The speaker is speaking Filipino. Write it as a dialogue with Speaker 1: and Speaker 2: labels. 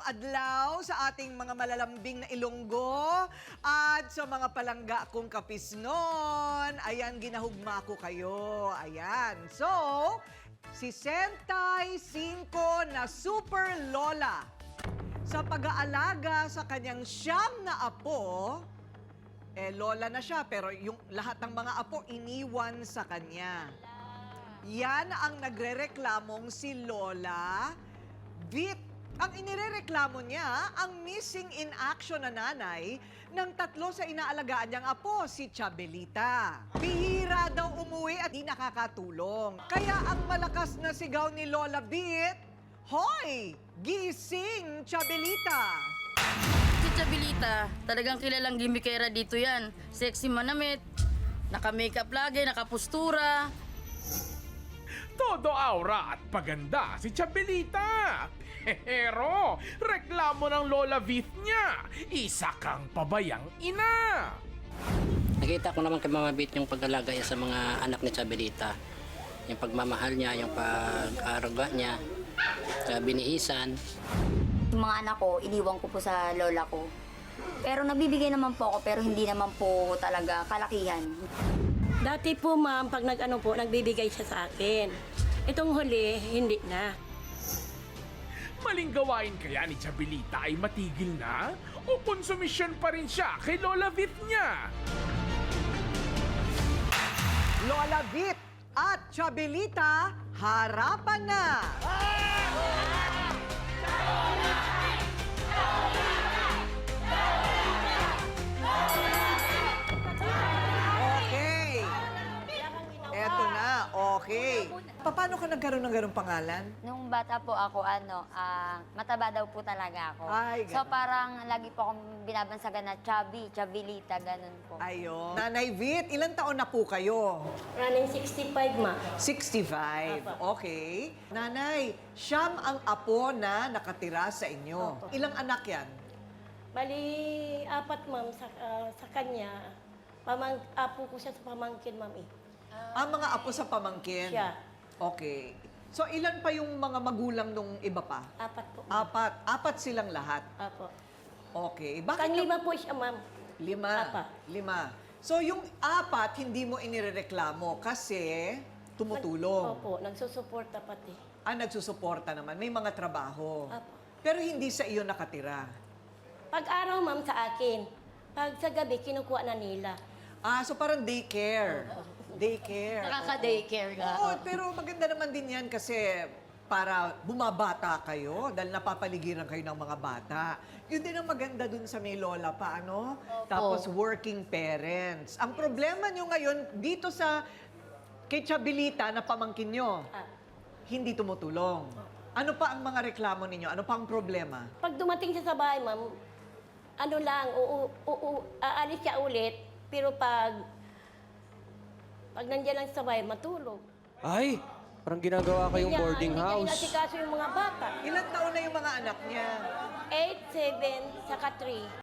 Speaker 1: adlaw sa ating mga malalambing na Ilonggo at sa mga palangga kong kapisnon. Ayan, ginahugma ko kayo. Ayan. So, si Sentay 5 na super lola sa pag-aalaga sa kanyang 9 na apo, lola na siya pero yung lahat ng mga apo iniwan sa kanya. Yan ang nagrereklamong si Lola Vit. Ang inirereklamo niya, ang missing in action na nanay ng 3 sa inaalagaan niyang apo, si Chabelita. Bihira daw umuwi at di nakakatulong. Kaya ang malakas na sigaw ni Lola Vit, "Hoy! Gising, Chabelita!"
Speaker 2: Si Chabelita, talagang kilalang gimikera dito yan. Sexy manamit, naka-makeup lagi, nakapustura.
Speaker 3: Todo aura at paganda si Chabelita. Pero reklamo ng Lola Vit niya, isa kang pabayang ina.
Speaker 4: Nakita ko naman kay Mama Vit yung pag-alaga niya sa mga anak ni Chabelita. Yung pagmamahal niya, yung pag-aruga niya, sa binihisan.
Speaker 5: Yung mga anak ko, iniwan ko po sa lola ko. Pero nabibigay naman po ako, pero hindi naman po talaga kalakihan.
Speaker 6: Dati po ma'am, pag nagbibigay siya sa akin. Itong huli, hindi na.
Speaker 3: Maling gawain kaya ni Chabelita ay matigil na? O konsumisyon pa rin siya kay Lola Vit niya?
Speaker 1: Lola Vit at Chabelita, harapan na! Okay. Eto na, okay. Paano ka nagkaroon ng ganong pangalan?
Speaker 5: Nung bata po ako, mataba daw po talaga ako.
Speaker 1: Ay,
Speaker 5: So
Speaker 1: ganun.
Speaker 5: parang lagi po akong binabansagan na chubby, Chabelita, ganun po.
Speaker 1: Ayun. Nanay Vit, ilang taon na po kayo?
Speaker 6: Running 65 ma.
Speaker 1: 65. Okay. Nanay, siyam ang apo na nakatira sa inyo.
Speaker 6: Opo.
Speaker 1: Ilang anak yan?
Speaker 6: Bali, 4 ma'am sa kanya. Apo ko siya sa pamangkin ma'am eh.
Speaker 1: Ang mga apo sa pamangkin?
Speaker 6: Siya.
Speaker 1: Okay. So, ilan pa yung mga magulang nung iba pa?
Speaker 6: 4 po.
Speaker 1: 4. 4 silang lahat.
Speaker 6: Apo.
Speaker 1: Okay. Bakit?
Speaker 6: Kang 5 po siya ma'am.
Speaker 1: 5. 5. So, yung 4, hindi mo inireklamo kasi tumutulong.
Speaker 6: Opo, nagsusuporta pati.
Speaker 1: Nagsusuporta naman. May mga trabaho.
Speaker 6: Apo.
Speaker 1: Pero hindi sa iyo nakatira.
Speaker 6: Pag araw ma'am sa akin, pag sa gabi kinukuha na nila.
Speaker 1: So parang daycare. Daycare.
Speaker 2: Nakaka-daycare ka.
Speaker 1: Oo, pero maganda naman din yan kasi para bumabata kayo dahil napapaligiran kayo ng mga bata. Yun din ang maganda dun sa may lola pa, ano? Tapos working parents. Ang problema nyo ngayon dito sa kay Chabelita na pamangkin nyo, hindi tumutulong. Ano pa ang mga reklamo ninyo? Ano pa ang problema?
Speaker 6: Pag dumating siya sa bahay ma'am, aalis siya ulit, pero pag nandiyan lang sa bahay, matulog.
Speaker 7: Ay, parang ginagawa kayong boarding
Speaker 6: Hindi
Speaker 7: house.
Speaker 6: niya inasikaso yung mga bata.
Speaker 1: Ilang taon na yung mga anak niya?
Speaker 6: 8, 7, saka 3.